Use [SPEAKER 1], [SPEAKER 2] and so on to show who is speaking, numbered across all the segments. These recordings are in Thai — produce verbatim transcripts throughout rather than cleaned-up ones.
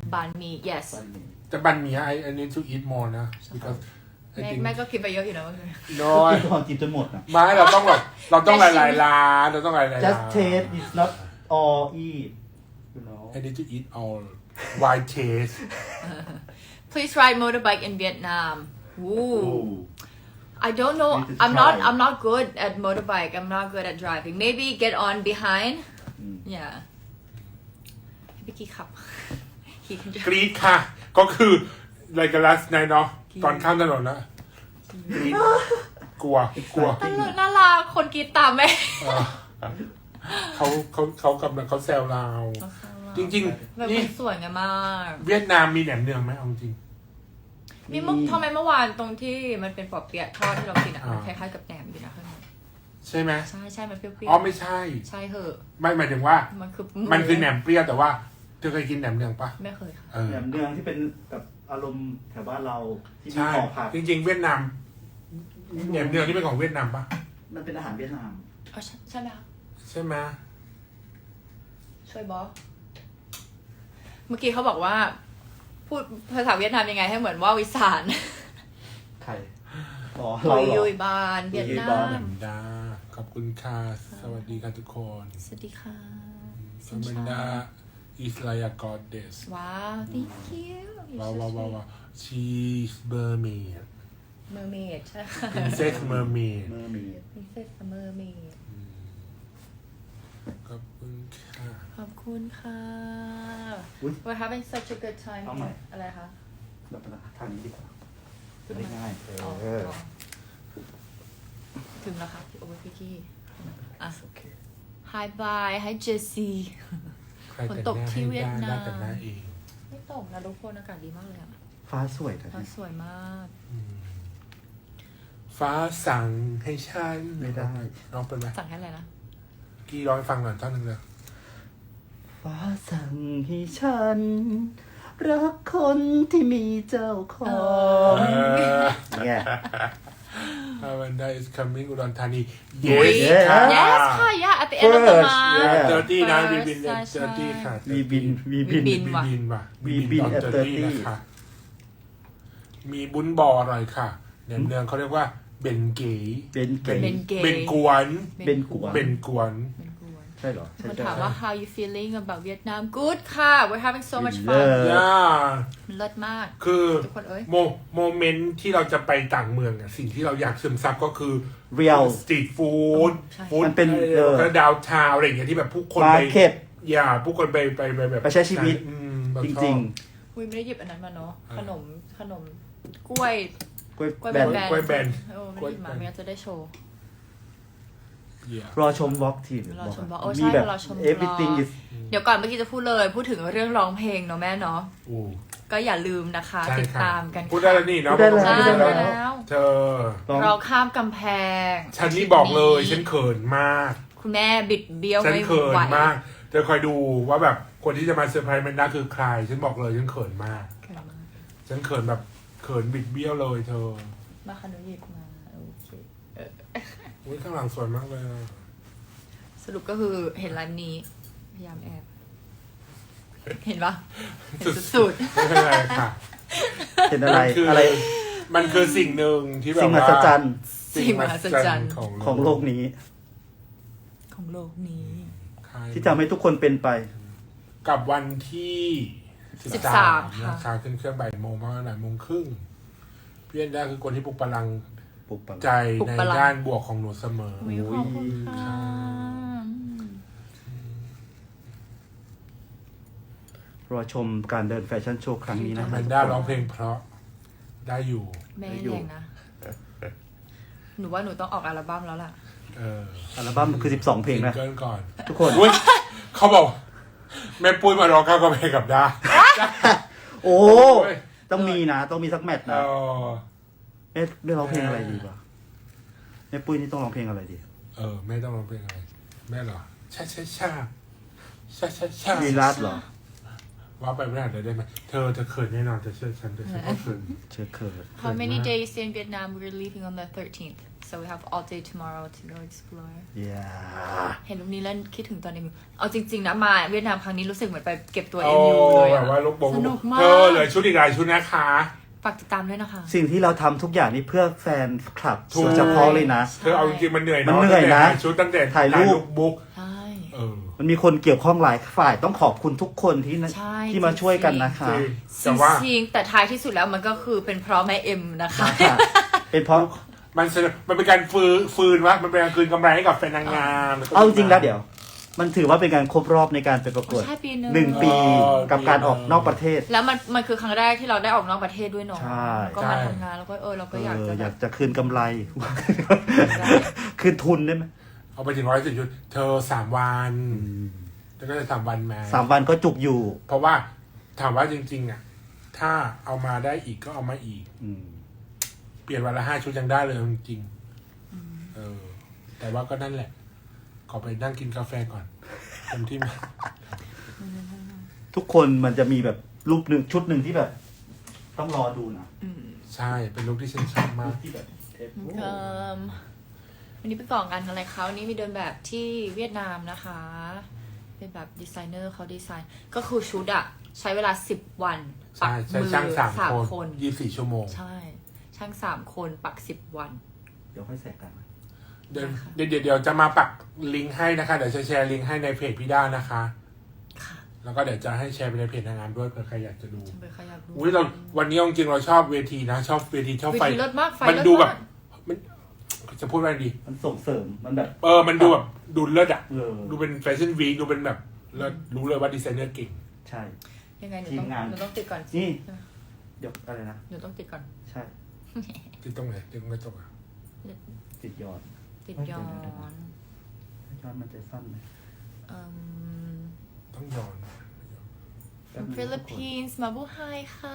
[SPEAKER 1] banh mi yes
[SPEAKER 2] แต่บันหมี่ I I need to eat more นะ because I
[SPEAKER 1] แม่
[SPEAKER 2] think
[SPEAKER 1] แม่ก็กินไปเยอะอยู่นะเมื่อคืน
[SPEAKER 2] no
[SPEAKER 3] กินก่อนกินจนหมดนะ
[SPEAKER 2] ไม่เราต้องแบบเราต้องหลายๆร้านเราต้องหลายๆร้าน
[SPEAKER 3] just taste is not all eat you know
[SPEAKER 2] I need to eat all why taste
[SPEAKER 1] please ride motorbike in Vietnam Ooh.
[SPEAKER 3] Ooh.
[SPEAKER 1] I don't know
[SPEAKER 3] Need to
[SPEAKER 1] I'm not
[SPEAKER 3] try.
[SPEAKER 1] I'm not good at motorbike I'm not good at driving maybe get on behind
[SPEAKER 3] อืม
[SPEAKER 1] yeah พี่กี้ขับ He can
[SPEAKER 2] ก
[SPEAKER 1] drive
[SPEAKER 2] รีดค่ะ ก็คืออะไรกัน last night เนาะตอนข้ามถนนนะกรีดกลัวกลัว
[SPEAKER 1] ตลกน่ารักคนกรีดตามแม่
[SPEAKER 2] เออเขาเขาเขากำลังเขาแซวเรา จริง
[SPEAKER 1] แบบ
[SPEAKER 2] ๆ นี่
[SPEAKER 1] มันสวยงามมาก
[SPEAKER 2] เวียดนามมีแหนมเนืองไหมเอาจริง
[SPEAKER 1] มีเมื่อทำไมเมื่อวานตรงที่มันเป็นปอเปี๊ยะทอดที่เรากินอ่ะ
[SPEAKER 2] อ่ามั
[SPEAKER 1] มันคล้ายๆกับแหนมอยู่นะข้างใน
[SPEAKER 2] ใช่ไหม
[SPEAKER 1] ใช่ใช่มันเปรี้ยวๆ
[SPEAKER 2] อ๋อไม่ใช่
[SPEAKER 1] ใช่เหอะ
[SPEAKER 2] ไม่หมายถึงว่า
[SPEAKER 1] มันคือ
[SPEAKER 2] มันคือแหนมเปรี้ยวแต่ว่าเธอเคยกินแหนมเนืองปะ
[SPEAKER 1] ไม่เคยค่ะ
[SPEAKER 2] เออ
[SPEAKER 3] แหนมเนืองที่เป็นแบบอารมณ์แถวบ้านเราที่มี
[SPEAKER 2] ใช่
[SPEAKER 3] ห่อผัก
[SPEAKER 2] จริง ๆ เวียดนามแหนมเนืองที่เป็นของเวียดนามปะ
[SPEAKER 3] มันเป็นอาหารเวียดนาม
[SPEAKER 1] อ๋อใช่ใช่ไหมคะ
[SPEAKER 2] ใช่ไหม
[SPEAKER 1] ช่วยบอสเมื่อกี้เขาบอกว่า พูดภาษาเวียดนามยังไงให้เหมือนว่าวิสาน
[SPEAKER 3] ไข่อ๋อ
[SPEAKER 1] ตุ
[SPEAKER 3] เรา
[SPEAKER 1] ย
[SPEAKER 3] เหร
[SPEAKER 1] ยุ
[SPEAKER 3] อย
[SPEAKER 1] บานเวียดนา
[SPEAKER 3] ตุยยุยบาน
[SPEAKER 2] แหน
[SPEAKER 1] ม
[SPEAKER 2] มดาขอบคุณค่ะสวัสดีค่ะทุกคน
[SPEAKER 1] สวัสดีค่ะ
[SPEAKER 2] สมันดา is like a goddess
[SPEAKER 1] ว้าว thank you
[SPEAKER 2] ว้าวว้าวว้าวว้าว she's mermaid
[SPEAKER 1] mermaid ใช่ค่ะ
[SPEAKER 2] princess mermaid
[SPEAKER 3] เมื่อมี
[SPEAKER 1] princess mermaid
[SPEAKER 2] ขอบคุณค่ะ
[SPEAKER 1] ขอบคุณค่ะ
[SPEAKER 3] อุ๊ย
[SPEAKER 1] we're having such a good time
[SPEAKER 3] เอาใหม่
[SPEAKER 1] อะไรคะ
[SPEAKER 3] เราไปทางนี้ดีกว่าจะได้ง่าย
[SPEAKER 1] อ๋อ
[SPEAKER 3] เออ
[SPEAKER 1] อ๋อถึงแล้วครับพี่โอ้ยพี่กี้อ่ะ
[SPEAKER 3] โอเค
[SPEAKER 1] hi bye hi Jessie
[SPEAKER 2] ใครแต่งหน้าให้ได้ได้แต่งหน้าเอง
[SPEAKER 1] ไม่ตกนะทุกคนอากาศดีมากเลยอ่ะ
[SPEAKER 3] ฟ้าสวยแต่
[SPEAKER 1] ฟ้าสวยมาก
[SPEAKER 2] ฟ้าสั่งให้ฉัน
[SPEAKER 3] ไม่ได้
[SPEAKER 2] ร้องเป็นไหม
[SPEAKER 1] สั่งให้อะไรนะ
[SPEAKER 2] กี้ร้องให้ฟังหน่อยท่อนหนึ่งเลย
[SPEAKER 3] ฟ้าสั่งให้ฉัน รักคนที่มีเจ้าของเนี่ย
[SPEAKER 2] ฮาวันดา is coming อุดรธานี
[SPEAKER 1] อุ๊ย
[SPEAKER 2] yes ค่ะ
[SPEAKER 1] yes ค่ะ yeah at the end of the
[SPEAKER 3] First
[SPEAKER 1] month
[SPEAKER 3] yeah
[SPEAKER 2] เจอที่นะวี
[SPEAKER 1] First
[SPEAKER 2] บิน
[SPEAKER 1] ใช่
[SPEAKER 2] เจอที่ค่ะ
[SPEAKER 3] วีบินวีบิน
[SPEAKER 1] วีบิน
[SPEAKER 2] วีบินว่ะ
[SPEAKER 3] วีบิน
[SPEAKER 2] ตอน
[SPEAKER 3] at
[SPEAKER 2] เจอที่
[SPEAKER 3] thirty
[SPEAKER 2] นะคะมีบุญบออร่อยค่ะแหนมเนืองเขาเรียกว่าเบนเก๋
[SPEAKER 3] เป็นเก๋
[SPEAKER 1] เป็นเกย์
[SPEAKER 2] เบนกวน
[SPEAKER 3] เป็นกวน
[SPEAKER 2] เบนกวน
[SPEAKER 1] เป็นกวน
[SPEAKER 3] ใช่เหรอ
[SPEAKER 1] คน
[SPEAKER 3] ใช่
[SPEAKER 1] ถาม
[SPEAKER 3] ใช่
[SPEAKER 1] ว่า how you feeling about Vietnam good ค่ะ we're having so much
[SPEAKER 3] เลิ
[SPEAKER 1] fun
[SPEAKER 3] ศ
[SPEAKER 2] ย่า
[SPEAKER 1] มันเลิศมาก
[SPEAKER 2] คือ
[SPEAKER 1] ทุกคนเอ้ย
[SPEAKER 2] โมโมเมนต์ที่เราจะไปต่างเมืองอะสิ่งที่เราอยากซึมซับก็คือ
[SPEAKER 3] เรียล
[SPEAKER 2] สตรีทฟู้ด
[SPEAKER 1] ใช่
[SPEAKER 2] ฟู้ด
[SPEAKER 3] มันเป็นเออ
[SPEAKER 2] ก็ดาวทาวอะไรอย่างเงี้ยที่แบบผู้คนไป
[SPEAKER 3] Market
[SPEAKER 2] อย่าผู้คนไปไปไปแบบ
[SPEAKER 3] ไปใช้ชีวิต
[SPEAKER 2] อืมแบบ
[SPEAKER 3] จ
[SPEAKER 2] ชอบ
[SPEAKER 3] ริง
[SPEAKER 1] อุ้ยไม่ได้หยิบอันนั้นมาเนาะ
[SPEAKER 2] อ่า
[SPEAKER 1] ขนมขนมกล้วย
[SPEAKER 3] ๆกล้วย
[SPEAKER 1] กล้วย
[SPEAKER 3] แบน
[SPEAKER 1] แบน
[SPEAKER 2] กล้วยแบน
[SPEAKER 1] เออไม่ได้หยิบมาไม่งั้นจะได้โชว์
[SPEAKER 2] อย่าร
[SPEAKER 3] อชมวอล์กทีม
[SPEAKER 1] รอชม vlog โอ้
[SPEAKER 3] มี
[SPEAKER 1] ใช่
[SPEAKER 3] แบบ
[SPEAKER 1] รอชม
[SPEAKER 3] everything
[SPEAKER 1] vlog
[SPEAKER 3] is
[SPEAKER 1] เดี๋ยวก่อนเมื่อกี้จะพูดเลยพูดถึงเรื่องร้องเพลงเนาะแม่เนาะ
[SPEAKER 2] โอ้
[SPEAKER 1] ก็อย่าลืมนะคะ
[SPEAKER 2] ใช่
[SPEAKER 1] ติด
[SPEAKER 2] ค่ะ
[SPEAKER 1] ตามกัน
[SPEAKER 2] พูดได้แล้วนี่เนาะ
[SPEAKER 3] พูดได้แล้ว
[SPEAKER 1] ใช่
[SPEAKER 3] พูดได้
[SPEAKER 1] แล้
[SPEAKER 3] แล้ว
[SPEAKER 1] ว
[SPEAKER 2] เธอ
[SPEAKER 3] ร้อง
[SPEAKER 1] เราข้ามกำแพง
[SPEAKER 2] ฉันนี่บอกเลยฉันเขินมาก
[SPEAKER 1] คุณแม่บิดเบี้ยว
[SPEAKER 2] ฉัน
[SPEAKER 1] ไม่
[SPEAKER 2] เขิน
[SPEAKER 1] ไหว
[SPEAKER 2] มากเธอคอยดูว่าแบบคนที่จะมาเซอร์ไพรส์แมนด้าคือใคร ฉันบอกเลยฉันเขินมาก
[SPEAKER 1] เขินมาก
[SPEAKER 2] ฉันเขินแบบเขินบิดเบี้ยวเลยเธอ
[SPEAKER 1] มาขนุหยิบมาโอเคเออ
[SPEAKER 2] อุ้ยข้างหลังสวยมากเลยอะ
[SPEAKER 1] สรุปก็คือเห็นไลน์นี้ พยายามแอบ เห็นปะเห็นสุด
[SPEAKER 2] ไม่เป็นไรค่ะ
[SPEAKER 3] เป็นอะไร
[SPEAKER 2] มันคืออ
[SPEAKER 3] อะไร
[SPEAKER 2] มันคือสิ่งหนึ่งที่แบบ
[SPEAKER 3] สิ่งม
[SPEAKER 2] ว่า
[SPEAKER 3] หัศจรรย์
[SPEAKER 1] ๆสิ่งมหัศจรรย์
[SPEAKER 2] ของ
[SPEAKER 3] ของโลกนี้
[SPEAKER 1] ของโลกนี้
[SPEAKER 2] ใช่
[SPEAKER 3] ที่ทำให้ทุกคนเป็นไป
[SPEAKER 2] กับวันที่
[SPEAKER 1] สิ
[SPEAKER 2] สิ
[SPEAKER 1] บบ สา
[SPEAKER 2] สาม ม
[SPEAKER 1] ค่ะ
[SPEAKER 2] นะคะขึ้นเครื่องบ่ายโมงประมาณบ่ายโมงครึ่งพี่แอนด้าคือคนที่ปลุกพลัง
[SPEAKER 3] ปลุกปัง
[SPEAKER 2] ใจในด้านบวกของหนูเสมอ
[SPEAKER 1] อุ๊ยขอบคุณค่ะ
[SPEAKER 3] รอชมการเดินแฟชั่นโชว์ครั้งนี้นะ
[SPEAKER 2] แม
[SPEAKER 3] คะ
[SPEAKER 2] นด้าร้องเพลงเพราะได้อยู่
[SPEAKER 1] แม่แรงนะ หนูว่าหนูต้องออกอัลบั้มแล้วล่ะ
[SPEAKER 2] เออ
[SPEAKER 3] อัลบั้มคือสิบสองเพลงนะ
[SPEAKER 2] ซิเกิลก่อน
[SPEAKER 3] ทุกคน
[SPEAKER 2] อุ๊ยเขาบอก แม่ปุ้ยมาร้องข้าวกับเพลงกับด้า
[SPEAKER 3] โอ้
[SPEAKER 2] โอ้ย
[SPEAKER 3] ต้องมีนะ ต้องมีสักแมตช์
[SPEAKER 2] เอ
[SPEAKER 3] นะ
[SPEAKER 2] อ
[SPEAKER 3] เอ๊ะได้ร้องเพลงอะไรดีวะแม่ปุ้ยนี่ต้องร้องเพลงอะไรดี
[SPEAKER 2] เออแม่ต้องร้องเพลงอะไรแม่เหรอชาชาชาชาชาชา
[SPEAKER 3] ลีลาดเหรอ
[SPEAKER 2] ว่าไปไม่ได้เลยได้ไหมเธอเธอเขินแน่นอนเธอเชื่อฉันเธอเชื่อเขาเขิน
[SPEAKER 3] เชิญเคิร์ด
[SPEAKER 1] How many days in Vietnam we're leaving on the thirteenth so we have all day tomorrow to go explore
[SPEAKER 3] yeah
[SPEAKER 1] เห็นรูปนี้แล้วคิดถึงตอนเอ็มยูเอาจริงๆนะมาเวียดนามครั้งนี้รู้สึกเหมือนไปเก็บตัว
[SPEAKER 2] โอ้
[SPEAKER 1] เอ็มยูเลย
[SPEAKER 2] แบ
[SPEAKER 1] อะ
[SPEAKER 2] บว่าลูกบง
[SPEAKER 1] สนุกมาก
[SPEAKER 2] เธอเหลือชุดอีกหลายชุดนะคะ
[SPEAKER 1] ฝากติดตามด้วยนะคะ
[SPEAKER 3] สิ่งที่เราทำทุกอย่างนี่เพื่อแฟนคลับ
[SPEAKER 2] ถูก
[SPEAKER 3] โดยเฉพาะเลยนะ
[SPEAKER 2] เธอเอาจริงๆมันเหนื่อย
[SPEAKER 3] มัน
[SPEAKER 2] เนาะ
[SPEAKER 3] เหนื่อยนะ
[SPEAKER 2] ตั้งแต่ชุดตั้งแต่
[SPEAKER 3] ถ่ายรูป
[SPEAKER 2] บุ๊ก
[SPEAKER 1] ใช่
[SPEAKER 2] เออ
[SPEAKER 3] มันมีคนเกี่ยวข้องหลายฝ่ายต้องขอบคุณทุกคนที่นะ
[SPEAKER 1] ใช่
[SPEAKER 3] ที่มาช่วยกันนะคะ
[SPEAKER 2] จริง
[SPEAKER 1] จ
[SPEAKER 2] แต่ว่า
[SPEAKER 1] ริงๆแต่ท้ายที่สุดแล้วมันก็คือเป็นเพราะแม่เอ็มนะคะ
[SPEAKER 3] ค่ะเป็นเพราะ
[SPEAKER 2] มันเสนอมันเป็นการฟืนฟืนวะมันเป็นการคืนกำไรให้กับแฟนนางงาม
[SPEAKER 3] เอาจริงๆแล้วเดี๋ยว มันถือว่าเป็นการครบรอบในการไปประกวด
[SPEAKER 1] ใช่ปีหนึ่ง
[SPEAKER 3] หนึ่งปีกับการออกนอกประเทศ
[SPEAKER 1] แล้วมันมันคือครั้งแรกที่เราได้ออกนอกประเทศด้วยเนาะ
[SPEAKER 3] ใช่
[SPEAKER 1] แล้วก็มาทำงานแล้วก็เออเราก็
[SPEAKER 3] เอ
[SPEAKER 1] อยาก
[SPEAKER 3] อ
[SPEAKER 1] จะ
[SPEAKER 3] อ
[SPEAKER 1] แบ
[SPEAKER 3] ยา
[SPEAKER 1] บ
[SPEAKER 3] กจะคืนกำไร
[SPEAKER 1] ได้
[SPEAKER 3] คืนทุนได้ไหม
[SPEAKER 2] เอาไปถึงร้อยสิบชุด เธอสามวันแล้วก็จะสามวันมา
[SPEAKER 3] สามวันก็จุกอยู่
[SPEAKER 2] เพราะว่าถามว่าจริงๆอ่ะ ถ้าเอามาได้อีกก็เอามาอีก
[SPEAKER 3] อืม
[SPEAKER 2] เปลี่ยนวันละห้าชุดยังได้เลยจริงๆเออ แต่ว่าก็นั่นแหละ ขอไปนั่งกินกาแฟก่อนเต็มที่มา
[SPEAKER 3] ทุกคนมันจะมีแบบรูปหนึ่งชุดหนึ่งที่แบบ ต้องรอดูนะ
[SPEAKER 2] ใช่เป็นลุคที่ฉันชอบมาก
[SPEAKER 3] ที่แบบเทป
[SPEAKER 1] เอิ่มวันนี้ไปก่องานอะไรเขาวันนี้มีเดินแบบที่เวียดนามนะคะ เป็นแบบดีไซเนอร์เขาดีไซน์ ก็คือชุดอะใช้เวลาสิบวัน ปั
[SPEAKER 2] ใช่
[SPEAKER 1] ก
[SPEAKER 2] ใช่
[SPEAKER 1] มือ
[SPEAKER 2] ช่างสาม
[SPEAKER 1] สาม
[SPEAKER 2] คน
[SPEAKER 1] คน
[SPEAKER 2] ยี่สิบสี่ชั่วโมง
[SPEAKER 1] ใช่ ช่างสามคนปักสิบวัน
[SPEAKER 3] เดี๋ยวค่อยแสกกัน
[SPEAKER 2] เดี๋ยวเดี๋ยวเดี๋ยวจะมาปักลิงก์ให้นะคะ เดี๋ยวจะแชร์ลิงก์ให้ในเพจพี่ด้านะคะ
[SPEAKER 1] ค่ะ
[SPEAKER 2] แล้วก็เดี๋ยวจะให้แชร์ไปในเพจนางงามด้วยเผื่อใครอยากจะดู
[SPEAKER 1] ฉันไปขยับดู
[SPEAKER 2] อุ้ยเราวันนี้จริงๆเราชอบเวทีนะ ชอบเวทีชอบ
[SPEAKER 1] เว
[SPEAKER 2] ไฟ
[SPEAKER 1] ทีเลิศมากไฟ
[SPEAKER 2] มัน
[SPEAKER 1] เลิศ
[SPEAKER 2] ดูแบบ
[SPEAKER 1] มาก
[SPEAKER 2] มันจะพูดว่าไงดี
[SPEAKER 3] มันส่งเสริมมันแบบ
[SPEAKER 2] เออ มันดูแบบดูเลิศอะ
[SPEAKER 3] เออ
[SPEAKER 2] ดูเป็นแฟชั่นวีคดูเป็นแบบเลิศรู้เลยว่าดีไซเนอร์เก่ง
[SPEAKER 3] ใช่
[SPEAKER 1] ยังไงหนู
[SPEAKER 3] ที
[SPEAKER 1] ต้อ
[SPEAKER 3] ม
[SPEAKER 1] ง
[SPEAKER 3] งาน
[SPEAKER 1] หนูต้องติดก่อน
[SPEAKER 3] นี่
[SPEAKER 1] ใช่ไหม
[SPEAKER 3] เดี๋ยวอะไรนะ
[SPEAKER 1] หนูต้องติดก่อน
[SPEAKER 3] ใช่
[SPEAKER 2] ที่ตรงไหนที่ตรงกระจกอะ
[SPEAKER 3] ติดยอด
[SPEAKER 1] ติดย้อน
[SPEAKER 3] ยอดมันจะสั้นไหม
[SPEAKER 1] เอิ่ม
[SPEAKER 2] ต้องย้อน
[SPEAKER 3] แป๊บนึง
[SPEAKER 1] ฟิลิปปินส์มาบูไฮค่ะ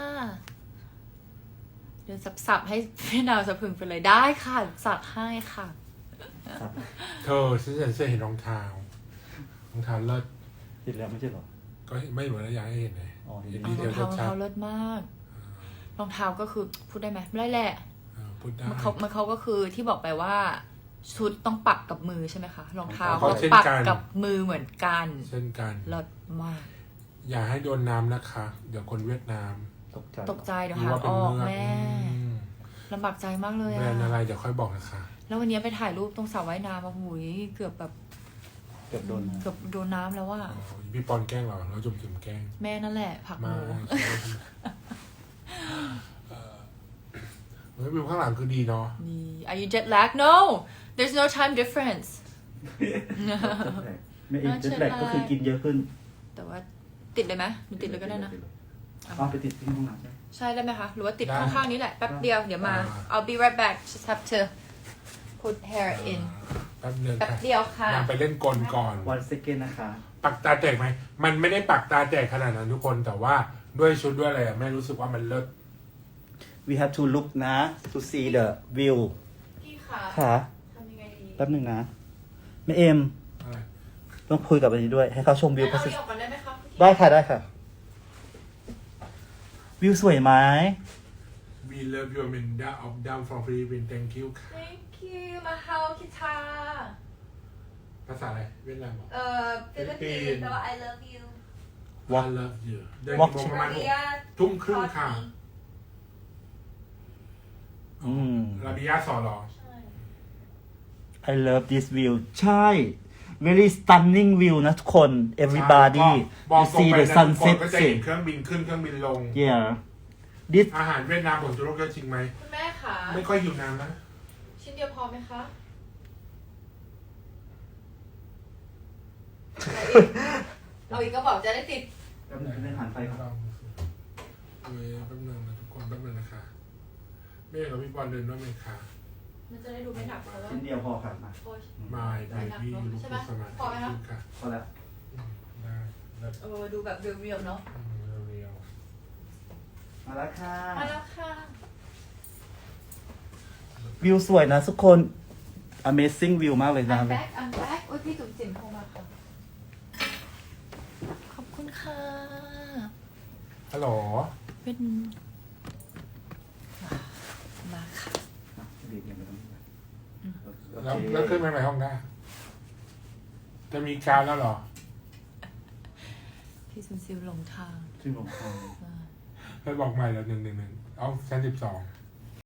[SPEAKER 1] เดี๋ยวสับๆให้พี่ดาวสะพึงไปเลยได้ค่ะ สับให้ค่ะ
[SPEAKER 3] ครับ
[SPEAKER 2] เธอฉันจะเห็นรองเท้ารองเท้าเลิศ
[SPEAKER 3] ติดแล้วไม่ใช่เหรอ
[SPEAKER 2] ก็ไม่เหมือนอยากให้เห็นเลย
[SPEAKER 3] อ๋อ
[SPEAKER 2] เห็น
[SPEAKER 1] ร
[SPEAKER 2] ดี
[SPEAKER 1] อง
[SPEAKER 2] เทล
[SPEAKER 1] เท้ารอง
[SPEAKER 2] ชัด
[SPEAKER 1] เท้าเลิศมาก รองเท้าก็คือพูดได้ไหมไม่ได้แหละ
[SPEAKER 2] ๆเออพูดได้
[SPEAKER 1] มันเขามันเขาก็คือที่บอกไปว่า ชุดต้องปักกับมือใช่ไหมคะ รองเท้า
[SPEAKER 2] เขา
[SPEAKER 1] ก็
[SPEAKER 2] เช่น
[SPEAKER 1] ปัก
[SPEAKER 2] กัน
[SPEAKER 1] กับมือเหมือนกัน
[SPEAKER 2] เช่นกัน
[SPEAKER 1] เลิศมาก
[SPEAKER 2] อย่าให้โดนน้ำนะคะ เดี๋ยวคนเวียดนาม
[SPEAKER 3] ตกใจ
[SPEAKER 1] ตกใจเดี๋ยว
[SPEAKER 2] รู้
[SPEAKER 1] หา
[SPEAKER 2] ว่าเป็น
[SPEAKER 1] ออก
[SPEAKER 2] เมือก
[SPEAKER 1] แม่
[SPEAKER 2] อืม
[SPEAKER 1] ลำบากใจมากเลย
[SPEAKER 2] แบร
[SPEAKER 1] อะ
[SPEAKER 2] นด์อะไรเดี๋ยวค่อยบอกนะคะ
[SPEAKER 1] แล้ววันนี้ไปถ่ายรูปตรงสระว่ายน้ำมาหุยเกือบแบบ
[SPEAKER 3] เกือบโดนนะ
[SPEAKER 1] เกือบโดนน้ำแล้วว่า
[SPEAKER 2] อ๋อพี่ปอนแกล้งเราเราจุ่มจิมแกล้ง
[SPEAKER 1] แม่นั่นแหละผลักห
[SPEAKER 2] มา
[SPEAKER 1] นู
[SPEAKER 2] เออเฮ้ยวิวข้างหลังคือดีเนาะ
[SPEAKER 1] นี่ Are you jet lag No there's no time difference
[SPEAKER 3] ไม่เอ็นเจ็ตแลกก็คือกินเยอะขึ้น
[SPEAKER 1] แต่ว่าติดเลยไหมหนูติดเลยก็ได้นะ
[SPEAKER 3] เอาไปติดที่ห้องน้ำใช่ไหม
[SPEAKER 1] ใช่ได้ไหมคะ หรือว่าติด
[SPEAKER 2] ได้
[SPEAKER 1] ข้างๆนี้แหละ แป๊บเดียว เดี๋ยวมา
[SPEAKER 2] อ่า
[SPEAKER 1] I'll be right back just have to put hair in
[SPEAKER 2] แป๊บนึง
[SPEAKER 1] แป๊บ
[SPEAKER 2] ค่ะ
[SPEAKER 1] เดียวค่ะ
[SPEAKER 2] นางไปเล่นกลก่อน
[SPEAKER 3] วันเซกเกนนะคะ
[SPEAKER 2] ปักตาแตกไหม มันไม่ได้ปักตาแตกขนาดนั้นทุกคน แต่ว่าด้วยชุดด้วยอะไรอะแม่รู้สึกว่ามันเลิศ
[SPEAKER 3] we have to look นะ to see the view
[SPEAKER 1] พี่ค่ะ
[SPEAKER 3] ค่ะ
[SPEAKER 1] ทำยังไงดี
[SPEAKER 3] แป๊บหนึ่งนะแม่เอ็ม
[SPEAKER 2] อะไร
[SPEAKER 3] ต้องคุยกับอันนี้ด้วย ให้เขาชมวิว
[SPEAKER 1] งั้น
[SPEAKER 3] พั
[SPEAKER 1] เอา
[SPEAKER 3] ส
[SPEAKER 1] อีกออกก่อนได้ไหมคะ
[SPEAKER 3] ได้ค่ะได้ค่ะ วิวสวยไหม
[SPEAKER 2] We love you Amanda of down from Philippines thank you ค่ะ
[SPEAKER 1] Thank you มาเฮาคิทา
[SPEAKER 2] ภาษาอะไร เวียดนามบอก
[SPEAKER 1] เอ่อฟิลิปปินส์แต่ว่า I love you
[SPEAKER 2] I love you เดิน
[SPEAKER 3] Walk
[SPEAKER 2] กี่โมงประมาณหก
[SPEAKER 1] เรีย
[SPEAKER 2] ทุ่มครึ่งค่ะ
[SPEAKER 3] อืม
[SPEAKER 2] ลาบิยาสอหรอ
[SPEAKER 1] ใช่
[SPEAKER 3] I love this view ใช่ very stunning view นะทุกคน everybody
[SPEAKER 2] บอก
[SPEAKER 3] you
[SPEAKER 2] ตรง
[SPEAKER 3] see
[SPEAKER 2] ไป
[SPEAKER 3] the
[SPEAKER 2] นะทุกคน
[SPEAKER 3] sunset
[SPEAKER 2] ก็จะ
[SPEAKER 3] สิ
[SPEAKER 2] เห็นเครื่องบินขึ้นเครื่องบินลง
[SPEAKER 3] yeah this
[SPEAKER 2] อาหารเวียดนามผลจุโรคเยอะจริงไหม
[SPEAKER 1] คุณแม่ค่ะ
[SPEAKER 2] ไม่ค่อยหิวน้ำนะ
[SPEAKER 1] ชิ้นเดียวพอไหมคะเอาอีกก็บอกจะได้ติด
[SPEAKER 3] แป๊บนึงเล่นหันไปครับ
[SPEAKER 2] เว้ยแป๊บนึงนะทุกคนแป๊บนึงนะคะแม่กับพี่บอลเดินด้วยไหมคะ
[SPEAKER 1] มันจะได้ดูไม่หนักเพราะว่า
[SPEAKER 3] ชิ้นเดียวพอครับมา
[SPEAKER 1] โอ้ย
[SPEAKER 2] My baby ลูกผู้สมาธิ
[SPEAKER 1] พอไหมคะ
[SPEAKER 2] ค่ะ
[SPEAKER 3] พอแล้ว
[SPEAKER 2] ได้ได้
[SPEAKER 1] เออดูแบบเรียวๆเนาะ
[SPEAKER 2] อืมเรียว
[SPEAKER 3] มาแล้วค่ะ
[SPEAKER 1] มาแล้วค่ะ
[SPEAKER 3] วิวสวยนะทุกคน amazing view มากเลยนะ
[SPEAKER 1] I'm back I'm back โอ้ยพี่จุ๋มจิ๋มโทรมาค่ะ ขอบคุณค่ะ
[SPEAKER 2] ๆฮัลโหล
[SPEAKER 1] เป็นมาค่ะ
[SPEAKER 3] ดีเยี่ยมไปตรงนี้โอ
[SPEAKER 2] แล้ว
[SPEAKER 3] เค
[SPEAKER 2] แล้วขึ้นไปไหนห้องได้ จะมีการแล้วเหรอ
[SPEAKER 1] พี่ซิมซิมหลงทาง
[SPEAKER 3] จริงเหรอ
[SPEAKER 1] อ่า
[SPEAKER 2] ไปบอกใหม่แล้วหนึ่งหนึ่งหนึ่งเอาชั้นสิบสอง
[SPEAKER 1] อ